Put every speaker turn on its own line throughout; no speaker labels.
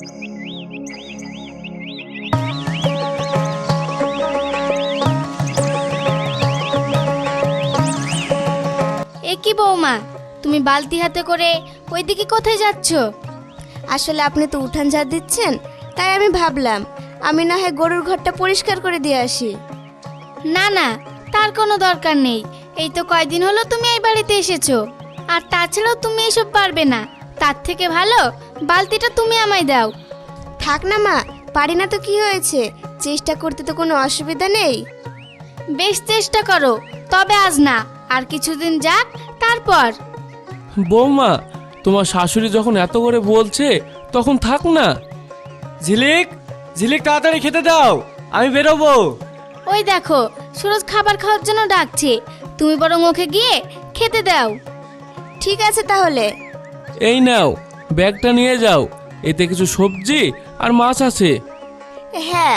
এ কি বৌমা, তুমি বালতি হাতে করে ওইদিকে কোথায় যাচ্ছ?
আসলে আপনি তো উঠান ঝাড় দিচ্ছেন, তাই আমি ভাবলাম আমি না হয় গরুর ঘরটা পরিষ্কার করে দিয়ে আসি।
না না, তার কোনো দরকার নেই। এই তো কয়দিন হলো তুমি এই বাড়িতে এসেছো, আর তাছাড়াও তুমি এসব পারবে না। তার থেকে ভালো বালতিটা তুমি আমায় দাও।
থাক না মা, পারি না তো কি হয়েছে, চেষ্টা করতে তো কোনো অসুবিধা নেই।
বেশ চেষ্টা করো, তবে আজ না, আর কিছুদিন যাক তারপর।
বৌমা, তোমার শাশুড়ি যখন এত করে বলছে তখন থাক না।
ঝিলিক, ঝিলিক তাড়াতাড়ি খেতে দাও, আমি বেরোবো।
ওই দেখো, সুরজ খাবার খাওয়ার জন্য ডাকছে, তুমি বরং ওকে গিয়ে খেতে দাও।
ঠিক আছে তাহলে।
এই নাও, ব্যাগটা নিয়ে যাও, এতে কিছু সবজি আর মাছ আছে।
হ্যাঁ।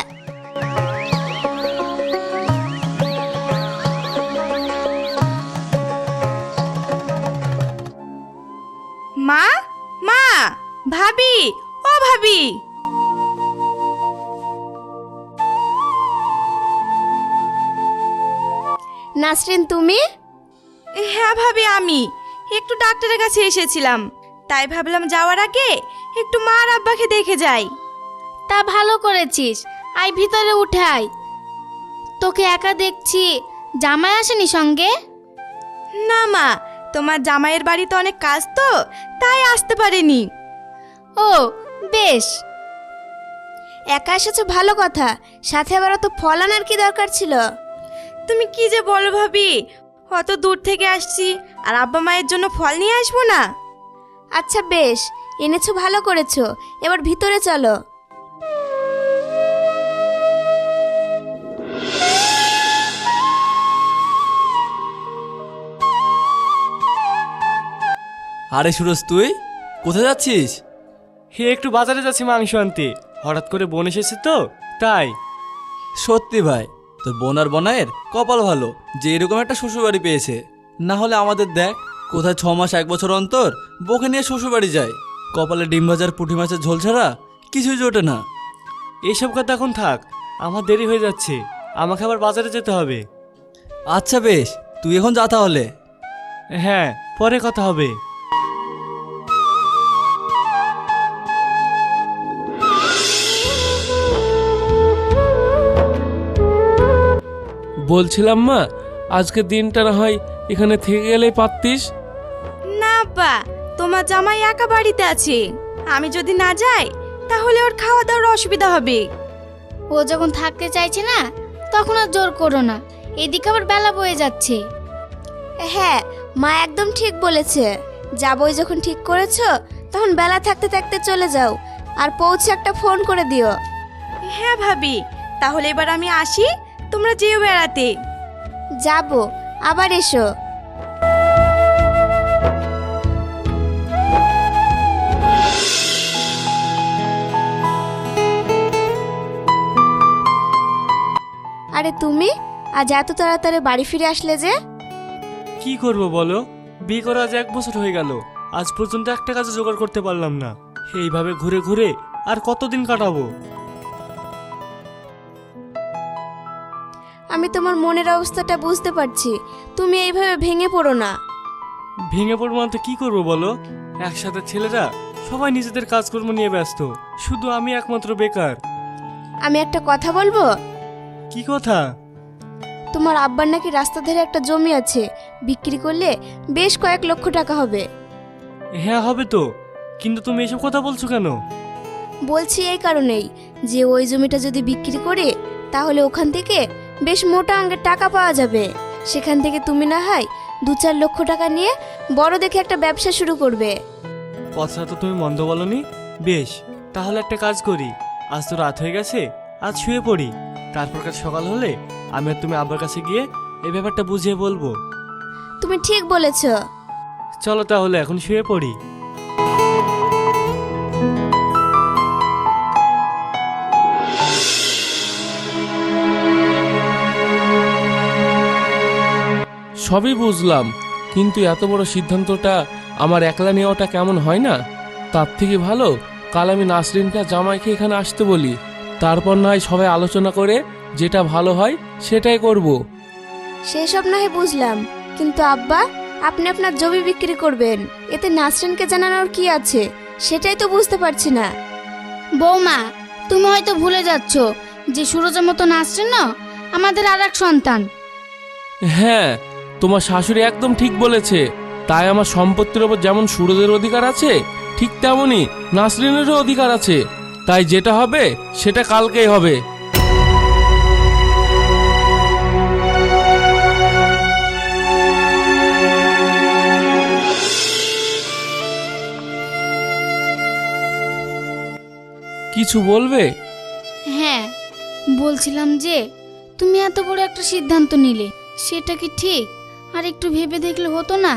মা, মা, ভাবি, ও ভাবি।
নাসরিন, তুমি?
হ্যাঁ ভাবি, আমি একটু ডাক্তারের কাছে এসেছিলাম, তাই ভাবলাম যাওয়ার আগে একটু মা আর আব্বাকে দেখে যাই।
তা ভালো করেছিস, আয় ভিতরে উঠাই। তোকে একা দেখছি, জামাই আসেনি সঙ্গে?
না মা, তোমার জামাইয়ের বাড়িতে অনেক কাজ তো, তাই আসতে পারেনি।
ও বেশ।
একা এসেছো ভালো কথা, সাথে আবার তো ফল আনার কি দরকার ছিল?
তুমি কি যে বলো ভাবি, অত দূর থেকে আসছি, আর আব্বা মায়ের জন্য ফল নিয়ে আসবো না?
আচ্ছা বেশ, এনেছো ভালো করেছো, এবার ভিতরে চলো।
আরে সুরজ, তুই কোথায় যাচ্ছিস?
হে, একটু বাজারে যাচ্ছি মাংস আনতে, হঠাৎ করে বোন এসেছে তো তাই।
সত্যি ভাই, তোর বোন আর বোনের কপাল ভালো যে এরকম একটা শ্বশুরবাড়ি পেয়েছে। না হলে আমাদের দেখ, কোথায় 6 মাস 1 বছর অন্তর বউকে নিয়ে শ্বশুরবাড়ি যায়, কপালে ডিম ভাজার পুঁটি মাছের ঝোল ছাড়া কিছুই জোটে না।
এইসব কথা এখন থাক, আমার দেরি হয়ে যাচ্ছে, আমাকে আবার বাজারে যেতে হবে।
আচ্ছা বেশ, তুই এখন যা তাহলে।
হ্যাঁ, পরে কথা হবে।
বলছিলাম মা, আজকের দিনটা না হয় এখানে থেকে গেলেই পারতিস।
না আব্বা, তোমার জামাই একা বাড়িতে আছে, আমি যদি না যাই তাহলে ওর খাওয়া দাওয়ার অসুবিধা হবে।
ও যখন থাকতে চাইছে না, তখন আর জোর করো না, এদিকে আবার বেলা বয়ে যাচ্ছে।
হ্যাঁ, মা একদম ঠিক বলেছে, যাবই যখন ঠিক করেছো তখন বেলা থাকতে থাকতে চলে যাও, আর পৌঁছে একটা ফোন করে দিও।
হ্যাঁ ভাবি, তাহলে এবার আমি আসি, তোমরা যেও বেড়াতে।
যাবো, আবার এসো। আরে তুমি আজ এত তাড়াতাড়ি বাড়ি ফিরে আসলে যে?
কি করব বলো, বিয়ে করা আজ 1 বছর হয়ে গেল, আজ পর্যন্ত একটা কাজে জোগাড় করতে পারলাম না। এইভাবে ঘুরে ঘুরে আর কতদিন কাটাবো?
আমি তোমার মনের অবস্থাটা বুঝতে পারছি, তুমি এইভাবে ভেঙে পড়ো না।
ভেঙে পড়বো না তো কি করবো বলো, একসাথে ছেলেরা সবাই নিজেদের কাজকর্ম নিয়ে ব্যস্ত, শুধু আমি একমাত্র বেকার।
আমি একটা কথা বলবো?
কি কথা?
তোমার আব্বার নাকি রাস্তা ধারে একটা জমি আছে, বিক্রি করলে বেশ কয়েক লক্ষ টাকা হবে।
হ্যাঁ হবে তো, কিন্তু তুমি এসব কথা বলছো কেন?
বলছি এই কারণেই যে ওই জমিটা যদি বিক্রি করে তাহলে ওখান থেকে বেশ মোটা অঙ্কের টাকা পাওয়া যাবে, সেখান থেকে তুমি না হয় 2-4 লক্ষ টাকা নিয়ে বড় দেখে একটা ব্যবসা শুরু করবে।
কথাটা তো তুমি মন্দ বলনি। বেশ, তাহলে একটা কাজ করি, আজ তো রাত হয়ে গেছে, আজ শুয়ে পড়ি, তারপর কাল সকাল হলে আমি আর তুমি আব্বার কাছে গিয়ে এই ব্যাপারটা বুঝিয়ে বলবো।
তুমি ঠিক বলেছো।
চলো তাহলে এখন শুয়ে পড়ি।
সবই বুঝলাম, কিন্তু এত বড় সিদ্ধান্তটা আমার একলা নেওয়াটা কেমন হয় না? তার থেকে ভালো কাল আমি নাসরিনকে আর জামাইকে এখানে আসতে বলি, তারপর না হয় সবাই আলোচনা করে যেটা ভালো হয় সেটাই করব।
সেসব না হয় বুঝলাম, কিন্তু আব্বা আপনি আপনার জমি বিক্রি করবেন, এতে নাসরিনকে জানানোর কি আছে সেটাই তো বুঝতে পারছি না।
বৌমা, তুমি হয়তো ভুলে যাচ্ছ যে সুরজের মতো নাসরিন না আমাদের আর এক সন্তান।
হ্যাঁ, তোমার শাশুড়ি একদম ঠিক বলেছে। তাই আমার সম্পত্তির ওপর যেমন সুরজের অধিকার আছে, ঠিক তেমনই নাসরিনেরও অধিকার আছে। তাই যেটা হবে সেটা কালকেই হবে। কিছু বলবে?
হ্যাঁ, বলছিলাম যে তুমি এত বড় একটা সিদ্ধান্ত নিলে, সেটা কি ঠিক? আর একটু ভেবে দেখলে হতো না?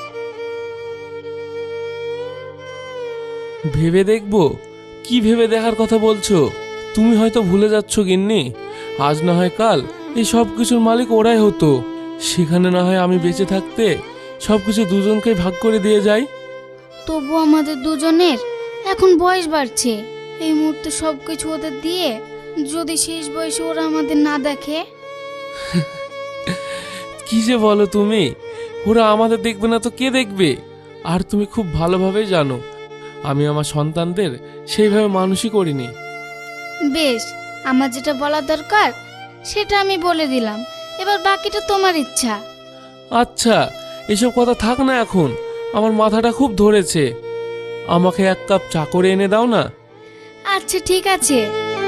ভেবে দেখবো? কি ভেবে দেখার কথা বলছো? তুমি হয়তো ভুলে যাচ্ছ গিন্নি, আজ না হয় কাল এই সব কিছুর মালিক ওরাই হতো। সেখানে না হয় আমি বেঁচে থাকতে সব কিছু দুজনকে ভাগ করে দিয়ে যাই।
তবু আমাদের দুজনের এখন বয়স বাড়ছে। এই মুহূর্তে সব কিছু ওদের দিয়ে যদি শেষ বয়সে ওরা আমাদের না দেখে।
কি যে বলো তুমি, ওরা আমাদের দেখবে না তো কে দেখবে? আর তুমি খুব ভালোভাবেই জানো আমি আমার সন্তানদের সেইভাবে মানুষই করিনি।
বেশ, আমার যেটা বলার দরকার সেটা আমি বলে দিলাম, এবার বাকিটা তোমার ইচ্ছা।
আচ্ছা, এসব কথা থাক না এখন, আমার মাথাটা খুব ধরেছে। আমাকে এক কাপ চা করে এনে দাও না।
আচ্ছা ঠিক আছে।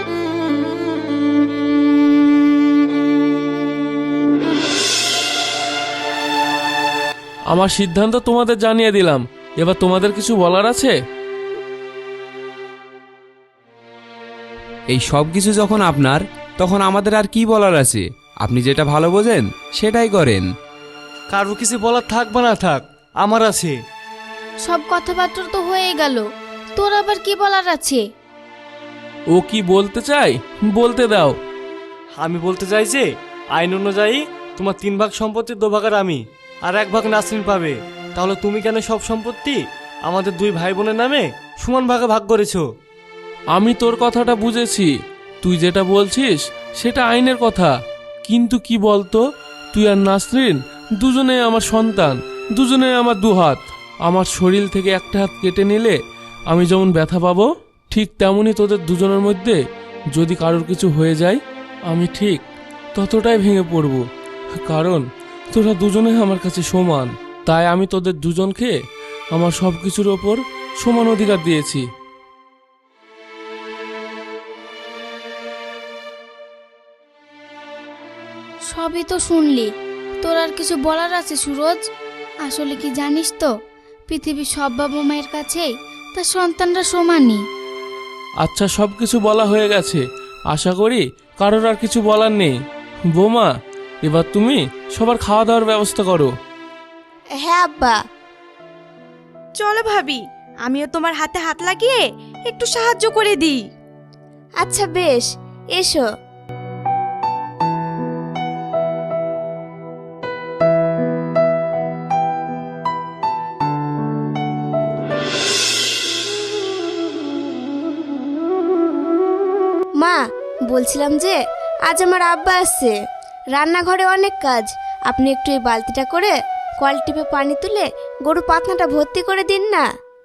আমার সিদ্ধান্ত তোমাদের জানিয়ে দিলাম, এবার তোমাদের কিছু বলার আছে?
এই সব কিছু যখন আপনার, তখন আমাদের আর কি বলার আছে? আপনি যেটা ভালো বোঝেন সেটাই করেন।
কারো কিছু বলার থাক বা না থাক, আমার আছে।
সব কথাবার্তা তো হয়ে গেল, তোর আবার কি বলার আছে?
ও কি বলতে চাই বলতে দাও।
আমি বলতে চাই যে আইন অনুযায়ী তোমার 3 ভাগ সম্পত্তির 2 ভাগের আমি আর 1 ভাগ নাসরিন পাবে। তাহলে তুমি কেন সব সম্পত্তি আমাদের 2 ভাই বোনের নামে সমান ভাগে ভাগ করেছো?
আমি তোর কথাটা বুঝেছি, তুই যেটা বলছিস সেটা আইনের কথা। কিন্তু কি বলতো, তুই আর নাসরিন দুজনেই আমার সন্তান, দুজনেই আমার 2 হাত। আমার শরীর থেকে একটা হাত কেটে নিলে আমি যেমন ব্যথা পাবো, ঠিক তেমনই তোদের দুজনের মধ্যে যদি কারোর কিছু হয়ে যায় আমি ঠিক ততটাই ভেঙে পড়ব। কারণ তোরা দুজনেই আমার কাছে সমান। তাই আমি তোদের দুজনকে আমার সব কিছুর ওপর সমান অধিকার দিয়েছি।
সবই তো শুনলি, তোর আর কিছু বলার আছে সুরজ? আসলে কি জানিস তো, পৃথিবীর সব বাবা মায়ের কাছেই তার সন্তানরা সমানই।
আচ্ছা, সব কিছু বলা হয়ে গেছে, আশা করি কারোর আর কিছু বলার নেই। বৌমা, এবার তুমি সবার খাওয়া দাওয়ার ব্যবস্থা করো।
হ্যাঁ আব্বা।
চলো ভাবি, আমিও তোমার হাতে হাত লাগিয়ে একটু সাহায্য করে দিই।
আচ্ছা বেশ, এসো। মা, বলছিলাম যে আজ আমার আব্বা আসছে, রান্নাঘরে অনেক কাজ। আপনি একটু এই বালতিটা করে কল টিপে পানি তুলে গরু পাতনাটা ভর্তি করে দিন না।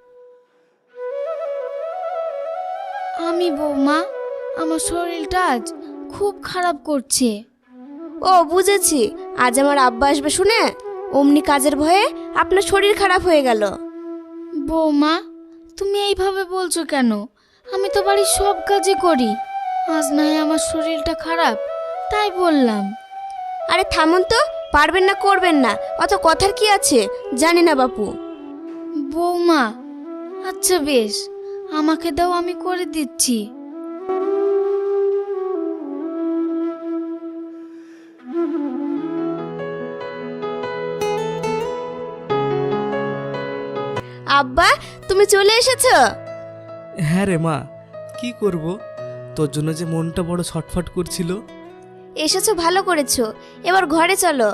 আমি বৌমা, আমার শরীরটা আজ খুব খারাপ করছে।
ও বুঝেছি, আজ আমার আব্বা আসবে শুনে অমনি কাজের ভয়ে আপনার শরীর খারাপ হয়ে গেল।
বৌমা, তুমি এইভাবে বলছো কেন? আমি তো বাড়ির সব কাজই করি। আজ নয় আমার শরীরটা খারাপ, তাই বললাম।
আরে থামুন তো, পারবেন না করবেন না, অত কথার কি আছে? জানি না বাপু।
বৌমা, আচ্ছা বেশ, আমাকে দাও, আমি করে দিচ্ছি।
আব্বা, তুমি চলে এসেছো?
হ্যাঁ রে মা, কি করব, তোর জন্য যে মনটা বড় ছটফট করছিল।
এসেছো ভালো করেছো, এবার ঘরে চলো।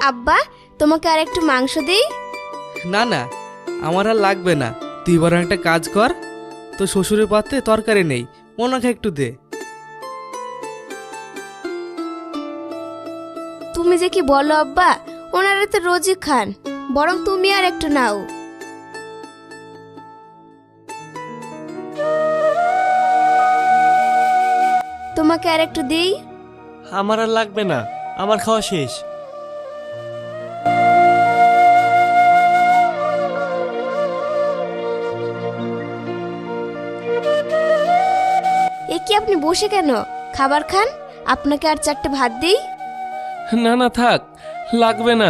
আব্বা, তোমাকে আর একটু মাংস দেই?
না না, আমার আর লাগবে না। তুই বরং একটা কাজ কর, তো শ্বশুরের পাত্রে তরকারি নেই, ওনাকে একটু দে।
তুমি যে কি বলো আব্বা, ওনারা তো রোজই খান, বরং তুমি আর একটু নাও। তোমাকে আর একটু দিই?
আমার আর লাগবে না, আমার খাওয়া শেষ।
এ কি আপনি বসে কেন? খাবার খান, আপনাকে আর 4টে ভাত দিই?
না না থাক, লাগবে না।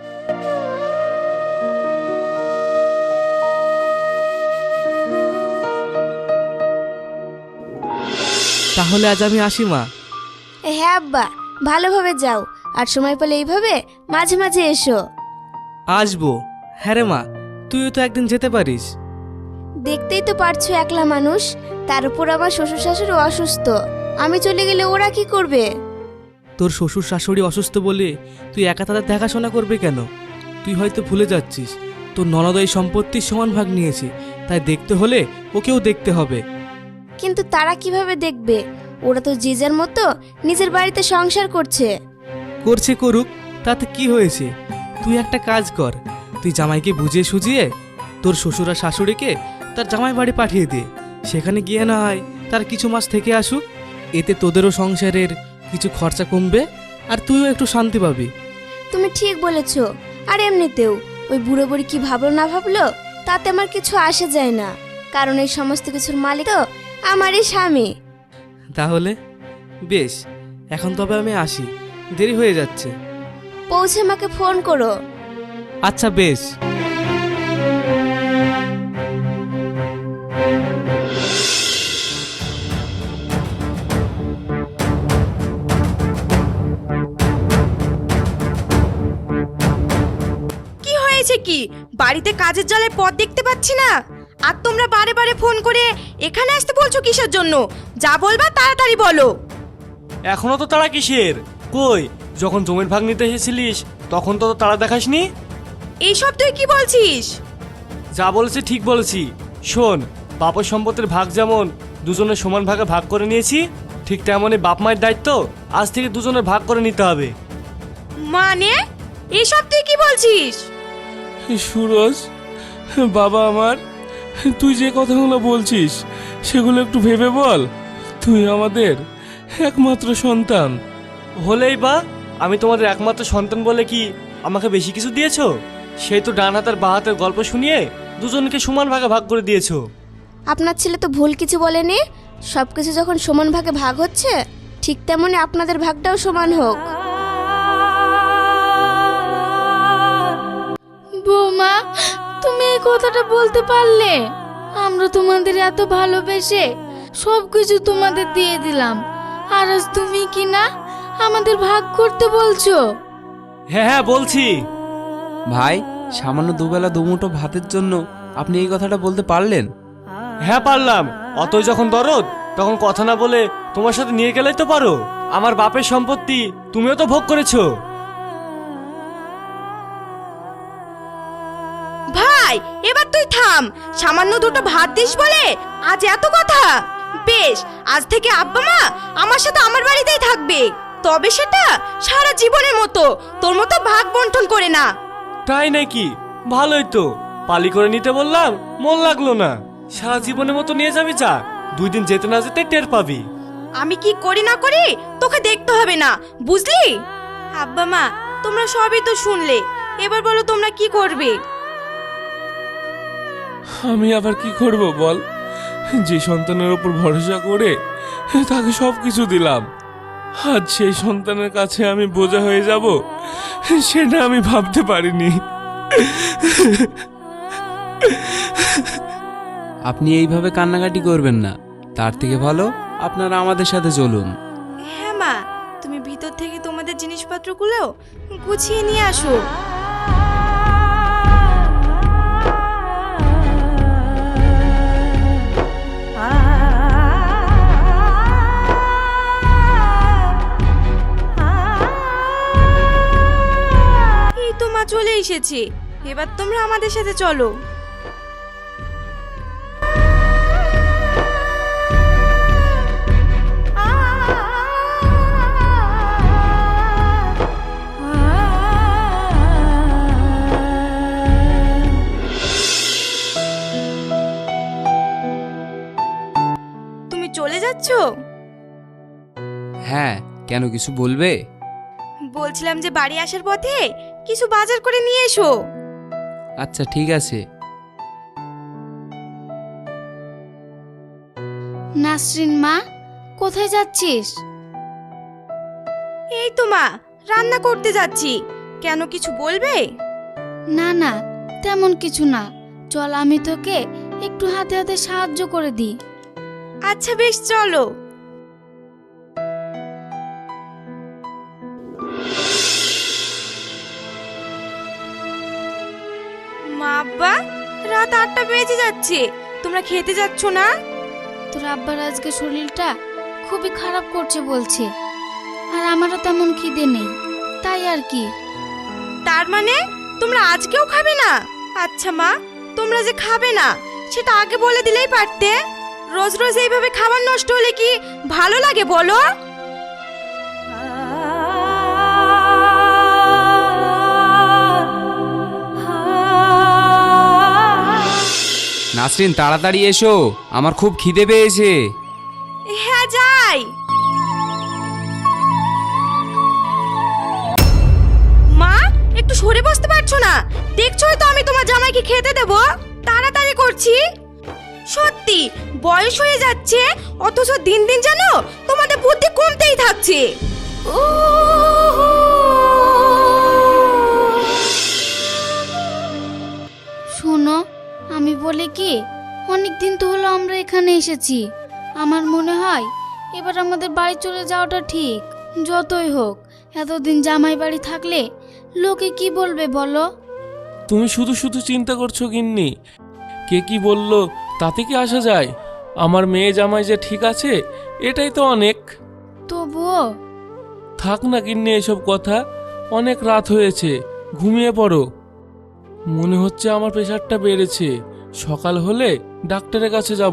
তাহলে আজ আমি আসি মা।
হ্যাঁ আব্বা, ভালোভাবে যাও, আর সময় পেলে এইভাবে মাঝে মাঝে এসো।
আসবো। হ্যাঁ রে মা, তুইও তো একদিন যেতে পারিস।
দেখতেই তো পারছো একলা মানুষ, তার উপর আমার শ্বশুর শাশুড়ি অসুস্থ, আমি চলে গেলে ওরা কি করবে?
তোর শ্বশুর শাশুড়ি অসুস্থ বলে তুই একা তাদের দেখাশোনা করবে কেন? তুই হয়তো ভুলে যাচ্ছিস, তোর ননদ এই সম্পত্তির সমান ভাগ নিয়েছে, তাই দেখতে হলে ওকেও দেখতে হবে।
কিন্তু তারা কিভাবে দেখবে? ওরা তো যে যার মতো নিজের বাড়িতে সংসার করছে।
করছে করুক, তাতে কি হয়েছে? তুই একটা কাজ কর, তুই জামাইকে বুঝিয়ে সুঝিয়ে তোর শ্বশুর আর শাশুড়িকে তার জামাই বাড়ি পাঠিয়ে দে। সেখানে গিয়ে না হয় তার কিছু মাস থেকে আসুক, এতে তোদেরও সংসারের কিছু খরচা কমবে আর তুইও একটু শান্তি পাবি।
তুমি ঠিক বলেছ। আর এমনিতেও ওই বুড়ো বুড়ি কি ভাবলো না ভাবলো তাতে আমার কিছু আসে যায় না, কারণ এই সমস্ত কিছুর মালিক তো আমারই স্বামী।
তাহলে বেশ, এখন তবে আমি আসি, দেরি হয়ে যাচ্ছে।
পৌঁছে আমাকে ফোন করো।
আচ্ছা বেশ।
কি হয়েছে কি? বাড়িতে কাজের জ্বালে পথ দেখতে পাচ্ছি না, আর তোমরা বারে বারে ফোন করে এখানে আসতে বলছো কিসের জন্য? যা বলবা তাড়াতাড়ি বলো।
এখনো তো তারা কিসের? কই, যখন জমির ভাগ নিতে এসেছিলিস তখন তো তারা দেখাসনি।
এইসব তুই কি বলছিস?
যা বলেছি ঠিক বলেছি। শোন, বাপের সম্পত্তির ভাগ যেমন দুজনের সমান ভাগে ভাগ করে নিয়েছি, ঠিক তেমনই বাপ মায়ের দায়িত্ব আজ থেকে দুজনের ভাগ করে নিতে হবে।
মানে এইসব তুই কি বলছিস?
সুরজ, বাবা আমার, তুই যে কথাগুলো বলছিস সেগুলো একটু ভেবে বল। তুই আমাদের একমাত্র সন্তান।
হলেই বা, আমি তোমাদের একমাত্র সন্তান বলে কি আমাকে বেশি কিছু দিয়েছো? সেই তো ডান হাতের বা হাতের গল্প শুনিয়ে দুজনকে সমান ভাগে ভাগ করে দিয়েছো।
আপনার ছেলে তো ভুল কিছু বলেনি, সব কিছু যখন সমান ভাগে ভাগ হচ্ছে ঠিক তেমনি আপনাদের ভাগটাও সমান হোক।
বৌমা, তুমি এই কথাটা বলতে পারলে? আমরা তোমাদের এত ভালোবেসে সব কিছু তোমাদের দিয়ে দিলাম, আর আজ তুমি কি না আমাদের ভাগ করতে বলছো?
হ্যাঁ হ্যাঁ বলছি।
ভাই, সামান্য দুবেলা দুমুঠো ভাতের জন্য আপনি এই কথাটা বলতে পারলেন?
হ্যাঁ পারলাম, অতই যখন দরদ তখন কথা না বলে তোমার সাথে নিয়ে গেলেই তো পারো। আমার বাপের সম্পত্তি তুমিও তো ভোগ করেছো।
ভাই এবার তুই থাম, সামান্য দুটো ভাত দিস বলে আজ এত কথা? বেশ, আজ থেকে আব্বা মা আমার সাথে আমার বাড়িতেই থাকবে, তবে সেটা সারা জীবনের মতো, তোর মতো ভাগ বন্টন করে না।
তাই নাকি? ভালোই তো, পালি করে নিতে বললাম, মন লাগলো না। সারা জীবনের মতো নিয়ে যাবি, যা, 2 দিন যেতে না যেতে টের পাবি।
আমি কি করি না করি তোকে দেখতে হবে না, বুঝলি? আব্বা মা তোমরা সবই তো শুনলে, এবার বলো তোমরা কি করবে?
আমি আবার কি করব বল? যে সন্তানের ওপর ভরসা করে তাকে সব কিছু দিলাম, আজ সেই সন্তানের কাছে আমি বোঝা হয়ে যাব, সেটা আমি ভাবতে পারিনি।
আপনি এইভাবে কান্নাকাটি করবেন না, তার থেকে ভালো আপনারা আমাদের সাথে চলুন।
হ্যাঁ মা, তুমি ভিতর থেকে তোমাদের জিনিসপত্রগুলো গুছিয়ে নিয়ে আসো। চলে এসেছে, এবার তোমরা আমাদের সাথে চলো। তুমি চলে যাচ্ছো?
হ্যাঁ, কেন কিছু বলবে?
বলছিলাম যে বাড়ি আসার পথে কিছু বাজার করে নিয়ে এসো।
আচ্ছা ঠিক আছে।
নাসরিন মা, কোথায় যাচ্ছিস?
এই তো মা, রান্না করতে যাচ্ছি। কেন, কিছু বলবে?
না না, তেমন কিছু না, চল আমি তোকে একটু হাতে হাতে সাহায্য করে দিই।
আচ্ছা বেশ, চলো। মা, আব্বা, রাত 8টা বেজে যাচ্ছে, তোমরা খেতে যাচ্ছ না?
তোর আব্বার আজকে শরীরটা খুবই খারাপ করছে বলছে, আর আমারও তেমন খিদে নেই, তাই আর কি।
তার মানে তোমরা আজকেও খাবে না? আচ্ছা মা, তোমরা যে খাবে না সেটা আগে বলে দিলেই পারতে। রোজ রোজ এইভাবে খাবার নষ্ট হলে কি ভালো লাগে বলো?
নাসরিন তাড়াতাড়ি এসো, আমার খুব খিদে পেয়েছে।
হ্যাঁ যাই। মা, একটু সরে বসতে পারছো না? দেখছোই তো আমি তোমার জামাইকে খেতে দেব, তাড়াতাড়ি করছি। সত্যি বয়স হয়ে যাচ্ছে, অথচ দিন দিন যেন তোমাদের বুদ্ধি কমতেই থাকছে।
শোনো, আমি বলি কি, অনেক দিন তো হলো আমরা এখানে এসেছি, আমার মনে হয় এবার আমাদের বাড়ি চলে যাওয়াটা ঠিক। যতই হোক, এতদিন জামাই বাড়ি থাকলে লোকে কি বলবে বলো?
তুমি শুধু শুধু চিন্তা করছো গিন্নি, কে কি বললো তাতে কি আসা যায়? আমার মেয়ে জামাই যে ঠিক আছে, এটাই তো অনেক।
তবুও
থাক না গিন্নি এসব কথা, অনেক রাত হয়েছে, ঘুমিয়ে পড়ো। মনে হচ্ছে আমার প্রেশারটা বেড়েছে, সকাল হলে ডাক্তারের কাছে যাব।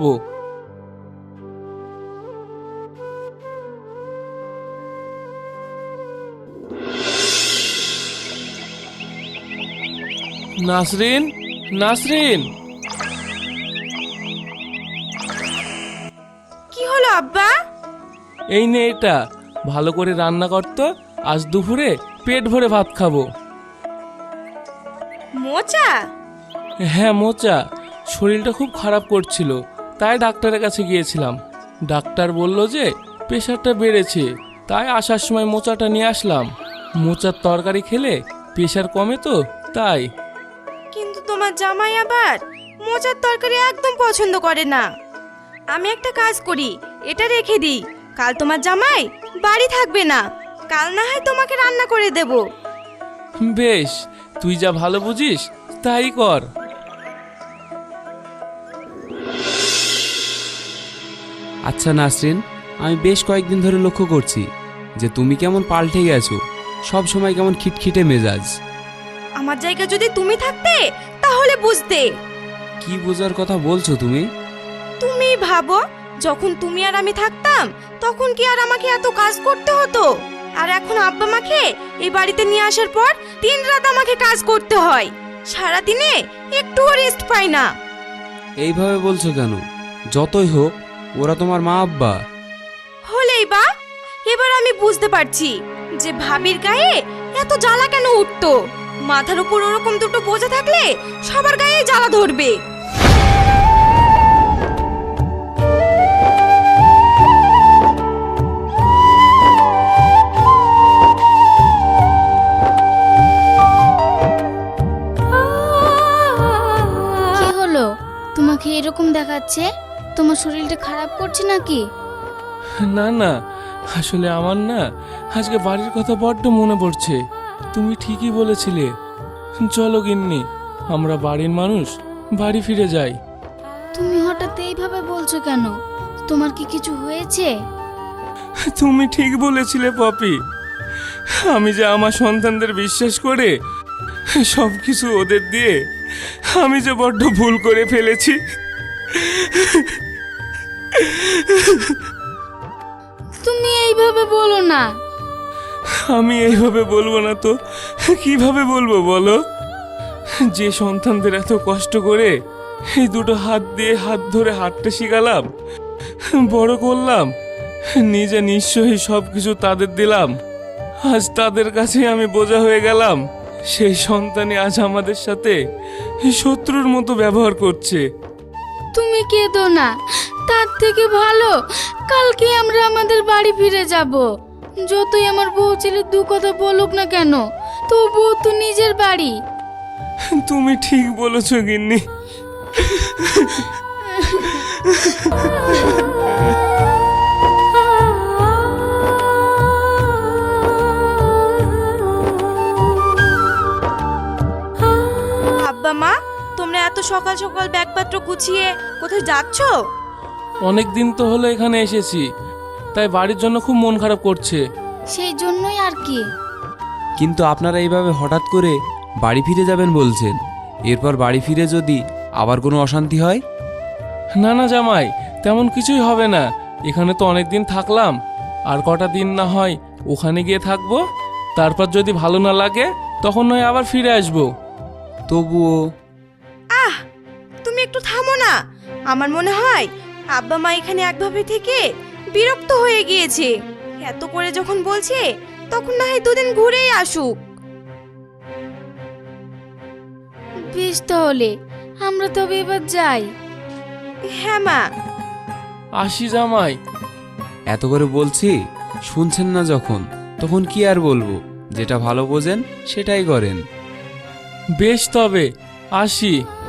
নাসরিন, নাসরিন,
কি হলো আব্বা?
এই নে এটা, ভালো করে রান্না করতো, আজ দুপুরে পেট ভরে ভাত খাবো।
মোচা?
হ্যাঁ মোচা, শরীরটা খুব খারাপ করছিল, তাই ডাক্তারের কাছে গিয়েছিলাম। ডাক্তার বলল যে প্রেশারটা বেড়েছে, তাই আসার সময় মোচাটা নিয়ে আসলাম। মোচার তরকারি খেলে প্রেশার কমে তো, তাই।
কিন্তু তোমার জামাই আবার মোচার তরকারি একদম পছন্দ করে না। আমি একটা কাজ করি, এটা রেখে দিই, কাল তোমার জামাই বাড়ি থাকবে না, কাল না হয় তোমাকে রান্না করে দেব।
বেশ, তুই যা ভালো বুঝিস তাই কর।
আচ্ছা নাসরিন, আমি বেশ কয়েকদিন ধরে লক্ষ্য করছি যে তুমি কেমন পাল্টে গেছো, সব সময় কেমন খিটখিটে মেজাজ।
আমার জায়গা যদি তুমি থাকতে তাহলে বুঝতে।
কি বোঝার কথা বলছো তুমি?
তুমি ভাবো, যখন তুমি আর আমি থাকতাম তখন কি আর আমাকে এত কাজ করতে হতো? আর এখন আব্বা মাকে এই বাড়িতে নিয়ে আসার পর দিন রাত আমাকে কাজ করতে হয়, সারাদিনে একটুও রেস্ট পাই না।
এইভাবে বলছো কেন? যতই হোক ওরা তোমার মা আব্বা।
হলেই বা, এবার আমি বুঝতে পারছি যে ভাবির গায়ে এত জ্বালা কেন উঠতো। মাথার উপর ওরকম দুটো বোঝা থাকলে সবার গায়ে জ্বালা ধরবে।
কি হলো, তোমাকে এরকম দেখাচ্ছে? তোমার শরীরটা খারাপ করছে নাকি?
না না, আসলে আমার না আজকে বাড়ির কথা বড্ড মনে পড়ছে। তুমি ঠিকই বলেছিলে, চলো গিন্নি, আমরা বাড়ির মানুষ বাড়ি ফিরে যাই।
তুমি হঠাৎ এইভাবে বলছো কেন? তোমার কি কিছু হয়েছে?
তুমি ঠিক বলেছিলে পপি, আমি যে আমার সন্তানদের বিশ্বাস করে সব কিছু ওদের দিয়ে আমি যে বড্ড ভুল করে ফেলেছি।
তুমি এইভাবে বলো না।
আমি এইভাবে বলবো না তো কিভাবে বলবো বলো? যে সন্তানদের এত কষ্ট করে এই দুটো হাত দিয়ে হাত ধরে হাঁটতে শিখালাম, বড় করলাম, নিজে নিশ্চয়ই সব কিছু তাদের দিলাম, আজ তাদের কাছে আমি বোঝা হয়ে গেলাম। সেই সন্তানই আজ আমাদের সাথে শত্রুর মতো ব্যবহার করছে।
তুমি কেঁদো না, তার থেকে ভালো কালকে আমরা আমাদের বাড়ি ফিরে যাব। যতই আমার বউ ছেলে দু কথা বলুক না কেন, তবুও তো নিজের বাড়ি।
তুমি ঠিক বলেছ গিন্নি।
আব্বা মা, তোমরা এত সকাল সকাল ব্যাগপত্র গুছিয়ে কোথায় যাচ্ছ?
অনেক দিন তো হলো এখানে এসেছি, তাই বাড়ির জন্য খুব মন খারাপ করছে।
সেই জন্যই আর কি।
কিন্তু আপনারা এইভাবে হঠাৎ করে বাড়ি ফিরে যাবেন বলছেন, এরপর বাড়ি ফিরে যদি আবার কোনো অশান্তি হয়?
না না জামাই, তেমন কিছুই হবে না। এখানে তো অনেক দিন থাকলাম, আর কটা দিন না হয় ওখানে গিয়ে থাকবো। তারপর যদি ভালো না লাগে তখন নয় আবার ফিরে আসবো।
তবুও
আহ, তুমি একটু থামো না। আমার মনে হয় আব্বা মা এখানে একভাবে থেকে বিরক্ত হয়ে গিয়েছে। এত করে যখন বলছে, তখন না হয় দুদিন ঘুরেই আসুক।
বেশ, তাহলে আমরা তবে এবার যাই।
হ্যাঁ মা।
আসি জামাই।
এত করে বলছি, শুনছেন না যখন, তখন কি আর বলবো? যেটা ভালো বোঝেন সেটাই করেন।
বেশ তবে আসি।